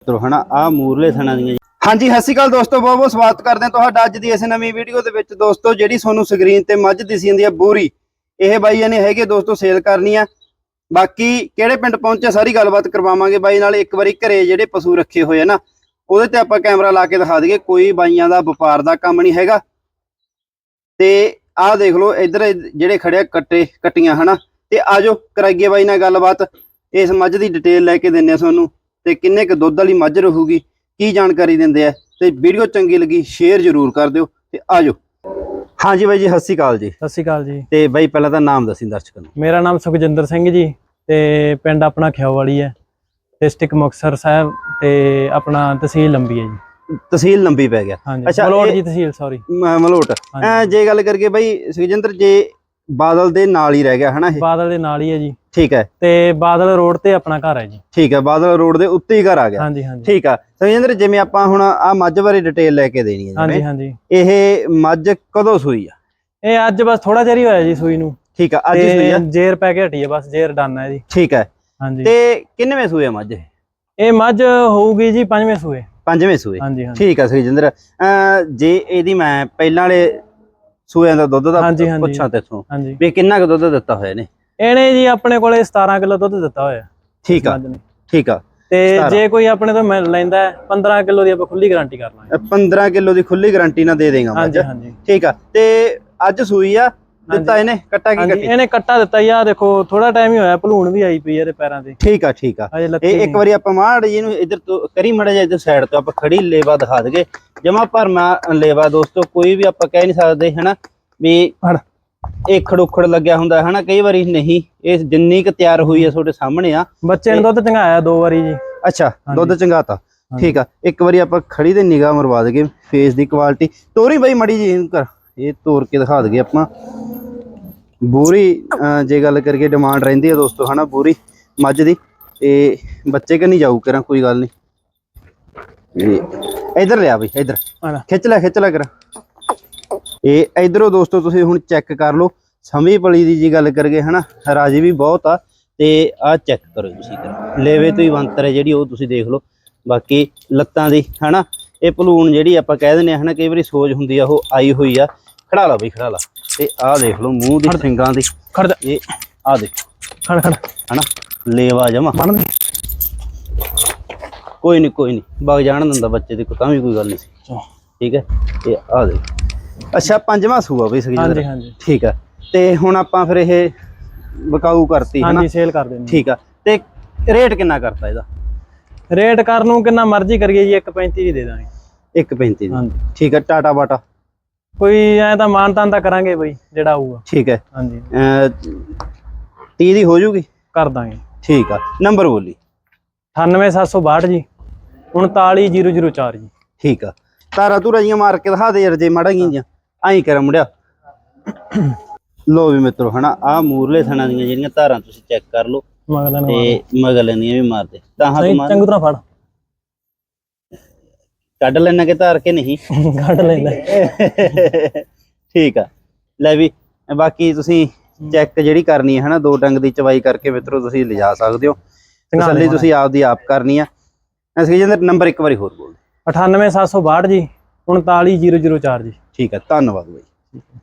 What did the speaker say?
तो है ना आ मूरले थणा दी। हाँ जी सत श्री अकाल दोस्तों, बहुत बहुत स्वागत करते हैं तुहाडा अज दी इस नवीं वीडियो दे विच। दोस्तों जिहड़ी तुहानूं स्क्रीन ते मझ दिसी जांदी है बोरी, ये बाईयां ने हैगे दोस्तों सेल करनी है। बाकी किहड़े पिंड पहुंचे सारी गलबात करवावांगे बाई नाल। एक बारी घरे जिहड़े पशु रखे हुए ना उहदे ते आपां कैमरा ला के दिखा दईए, कोई बाईयां दा वपार दा काम नहीं हैगा। ते आ देख लो इधर जिहड़े खड़े कट्टे कट्टियां है ना, ते आजो कराइए बाई नाल गलबात। इस मझ दी डिटेल लैके दिंदे तुहानूं ते किन्ने क दुੱਧ वाली मझ रहूगी की जानकारी दिंदे आ। ते वीडियो चंगी लगी शेयर जरूर कर दिओ ते आजो। हाँ जी बाई जी सत श्री अकाल जी। सत श्री अकाल जी। ते बाई पहला तां नाम दसी दर्शकों नूं। मेरा नाम सुखजिंदर सिंह जी ते पिंड अपना ख्योवाली है, डिस्ट्रिक्ट मुक्तसर साहब ते अपना तहसील लंबी है जी। तहसील लंबी पै गया। हाँ जी, अच्छा मलोट जी तहसील सॉरी मलोट। जे गल करके बाई सुखजिंदर जे बादल दे नाल ही रह गया है ना, बादल दे नाल ही है जी। ठीक है। ते बादल रोड ते अपना घर है जी। ठीक है, बादल रोड दे उत्ते ही घर आ गया। हाँ जी हाँ जी। ठीक है सुखजिंदर, जिवें आपां हुण आ मझ बारे डिटेल लैके देनी है। हाँ जी हाँ जी। ਇਹ मझ कदों सूई आ? ये अज बस थोड़ा चेर ही होया जी सूई नूं। ठीक है, अज ही सूई है। जेर पै के हटी है, बस जेर डन है जी। ठीक है। हाँ जी। ते किन्नवें सूए मझ? ये मझ होऊगी जी पंजवें सूए। पंजवें सूए। हाँ जी हाँ। ठीक है सुखजिंदर, जे ਇਹਦੀ मैं ਪਹਿਲਾਂ ਵਾਲੇ ਸੂਆਂ ਦਾ ਦੁੱਧ ਦਾ ਪੁੱਛਾਂ ਤੇਥੋਂ ਵੀ ਕਿੰਨਾ ਕੁ ਦੁੱਧ ਦਿੱਤਾ ਹੋਇਆ ਨੇ? ਇਹਨੇ ਜੀ ਆਪਣੇ ਕੋਲੇ 17 ਕਿਲੋ ਦੁੱਧ ਦਿੱਤਾ ਹੋਇਆ। ਠੀਕ ਆ ਠੀਕ ਆ। ਤੇ ਜੇ ਕੋਈ ਆਪਣੇ ਤੋਂ ਲੈਂਦਾ 15 ਕਿਲੋ ਦੀ ਆਪਾਂ ਖੁੱਲੀ ਗਾਰੰਟੀ ਕਰ ਲਾਂਗੇ। 15 ਕਿਲੋ ਦੀ ਖੁੱਲੀ ਗਾਰੰਟੀ ਨਾਲ ਦੇ ਦੇਗਾ ਮੱਝ। ਹਾਂਜੀ ਹਾਂਜੀ ਠੀਕ ਆ। ਤੇ ਅੱਜ ਸੂਈ ਆ ਦਿੱਤਾ ਇਹਨੇ ਕੱਟਾ ਕੀ ਕੱਟੀ? ਇਹਨੇ ਕੱਟਾ ਦਿੱਤਾ ਯਾ ਦੇਖੋ ਥੋੜਾ ਟਾਈਮ ਹੀ ਹੋਇਆ, ਭਲੂਣ ਵੀ ਆਈ ਪਈ ਇਹਦੇ ਪੈਰਾਂ ਤੇ। ਠੀਕ ਆ ਠੀਕ ਆ। ਇਹ ਇੱਕ ਵਾਰੀ ਆਪਾਂ ਮਾੜ ਜੀ ਨੂੰ ਇੱਧਰ ਤੋਂ ਕਰੀ ਮੜਾ ਜਾ, ਇੱਧਰ ਸਾਈਡ ਤੋਂ ਆਪਾਂ ਖੜੀ ਲੇਵਾ ਦਿਖਾ ਦਗੇ। ਜਮਾ ਭਰਮਾ ਲੇਵਾ ਦੋਸਤੋ, ਕੋਈ ਵੀ ਆਪਾਂ ਕਹਿ ਨਹੀਂ ਸਕਦੇ ਹਨਾ ਵੀ ਇਹ ਖੜੋਖੜ ਲੱਗਿਆ ਹੁੰਦਾ ਹੈ ਨਾ, ਕਈ ਵਾਰੀ ਨਹੀਂ। ਇਹ ਜਿੰਨੀ ਕੁ ਤਿਆਰ ਹੋਈ ਹੈ ਤੁਹਾਡੇ ਸਾਹਮਣੇ ਆ। ਬੱਚੇ ਨੇ ਦੁੱਧ ਚੰਗਾਇਆ 2 ਵਾਰੀ ਜੀ। ਅੱਛਾ ਦੁੱਧ ਚੰਗਾਤਾ। ਠੀਕ ਆ। ਇੱਕ ਵਾਰੀ ਆਪਾਂ ਖੜੀ ਤੇ ਨਿਗਾਹ ਮਰਵਾ ਦਗੇ ਫੇਸ ਦੀ ਕੁਆਲਿਟੀ। ਤੋਰੀ ਬਾਈ ਮੜੀ ਜੀ ਇਹਨੂੰ ਕਰ, ਇਹ ਤੋੜ ਕੇ ਦਿਖਾ ਦਗੇ ਆਪਾਂ। ਬੂਰੀ ਜੇ ਗੱਲ ਕਰੀਏ ਡਿਮਾਂਡ ਰਹਿੰਦੀ ਹੈ ਦੋਸਤੋ ਹਨਾ ਬੂਰੀ ਮੱਝ ਦੀ। ਤੇ ਬੱਚੇ ਕਿ ਨਹੀਂ ਜਾਊ ਕਰਾਂ, ਕੋਈ ਗੱਲ ਨਹੀਂ। ਇਧਰ ਲਿਆ ਬਈ, ਇਧਰ ਖਿੱਚ ਲੈ ਕਰਾਂ। ਇਹ ਇਧਰੋਂ ਦੋਸਤੋ ਤੁਸੀਂ ਹੁਣ ਚੈੱਕ ਕਰ ਲਓ। ਸਮੀ ਪਲੀ ਦੀ ਜੀ ਗੱਲ ਕਰੀਏ ਹਨਾ, ਰਾਜੀ ਵੀ ਬਹੁਤ ਆ। ਤੇ ਆਹ ਚੈੱਕ ਕਰੋ ਤੁਸੀਂ, ਲੇਵੇ ਤੋਂ ਹੀ ਬੰਤਰ ਹੈ ਜਿਹੜੀ ਉਹ ਤੁਸੀਂ ਦੇਖ ਲਓ। ਬਾਕੀ ਲੱਤਾਂ ਦੀ ਹਨਾ ਇਹ ਭਲੂਣ ਜਿਹੜੀ ਆਪਾਂ ਕਹਿ ਦਿੰਦੇ ਆ ਹਨਾ, ਕਈ ਵਾਰੀ ਸੋਜ ਹੁੰਦੀ ਆ ਉਹ ਆਈ ਹੋਈ ਆ। ਖੜਾ ਲਾ ਬਈ ਖੜਾ ਲਾ। ਤੇ ਆਹ ਦੇਖ ਲਓ ਮੂੰਹ ਦੀ ਸਿੰਗਾਂ ਦੀ। ਇਹ ਆਹ ਦੇਖ ਖੜ ਹਨਾ ਲੇਵਾ ਜਮਾ। ਕੋਈ ਨਹੀਂ ਵਗ ਜਾਣ ਦਿੰਦਾ ਬੱਚੇ ਦੀ ਤਾਂ ਵੀ ਕੋਈ ਗੱਲ ਨਹੀਂ। ਠੀਕ ਹੈ। ਤੇ ਆਹ ਦੇਖ। ਅੱਛਾ ਪੰਜਵਾਂ ਸੂਆ ਬਈ ਸੁਖਜਿੰਦਰ। ਹਾਂਜੀ ਠੀਕ ਆ। ਤੇ ਹੁਣ ਆਪਾਂ ਫਿਰ ਇਹ ਵਿਕਾਊ ਕਰਤੀ ਹਾਂਜੀ, ਸੇਲ ਕਰ ਦੇਣੀ। ਠੀਕ ਆ। ਤੇ ਰੇਟ ਕਿੰਨਾ ਕਰਤਾ ਇਹਦਾ? ਰੇਟ ਕਰਨ ਨੂੰ ਕਿੰਨਾ ਮਰਜ਼ੀ ਕਰੀਏ ਜੀ, 1.35 ਦੀ ਦੇ ਦਾਂਗੇ। 1.35 ਦੀ। ਠੀਕ ਆ। ਟਾਟਾ ਬਾਟਾ ਕੋਈ ਐ ਤਾਂ ਮਾਨਤਾਨ ਤਾਂ ਕਰਾਂਗੇ ਬਈ ਜਿਹੜਾ ਆਊਗਾ। ਠੀਕ ਹੈ। ਹਾਂਜੀ 30 ਦੀ ਹੋ ਜੂਗੀ? ਕਰ ਦਾਂਗੇ। ਠੀਕ ਆ। ਨੰਬਰ ਬੋਲੀ। 98762 ਜੀ 39004 ਜੀ। ਠੀਕ ਆ। ਤਾਰਾ ਧੂਰਾ ਜੀਆਂ ਮਾਰ ਕੇ ਦਿਖਾ ਦੇ ਯਾਰ ਜੇ ਮਾੜਾ ਗੀਆਂ ਆਈ ਕਰ ਮੁੰਡਿਆ। ਲੋ ਵੀ ਮਿੱਤਰੋ ਹਨਾ ਆ ਮੂਰਲੇ ਥਣਾ ਦੀਆਂ ਜਿਹੜੀਆਂ ਧਾਰਾਂ ਤੁਸੀਂ ਚੈੱਕ ਕਰ ਲਓ। ਤੇ ਮਗਲ ਦੀਆਂ ਵੀ ਮਾਰਦੇ ਤਾਂ ਚੰਗੀ ਤਰ੍ਹਾਂ ਫੜ ਕੱਢ ਲੈਣਾ ਕਿ ਧਾਰ ਕੇ ਨਹੀਂ? ਕੱਢ ਲੈਣਾ। ਠੀਕ ਆ। ਲੈ ਵੀ ਬਾਕੀ ਤੁਸੀਂ ਚੈੱਕ ਜਿਹੜੀ ਕਰਨੀ ਹੈ ਹਨਾ, 2 ਡੰਗ ਦੀ ਚਵਾਈ ਕਰਕੇ ਮਿੱਤਰੋ ਤੁਸੀਂ ਲਿਜਾ ਸਕਦੇ ਹੋ। ਤਸੱਲੀ ਤੁਸੀਂ ਆਪਦੀ ਆਪ ਕਰਨੀ ਆ। ਅਸੀਂ ਨੰਬਰ ਇੱਕ ਵਾਰੀ ਹੋਰ ਬੋਲ। 98762 ਜੀ 39004 ਜੀ। ਠੀਕ ਹੈ। ਧੰਨਵਾਦ ਬਾਈ।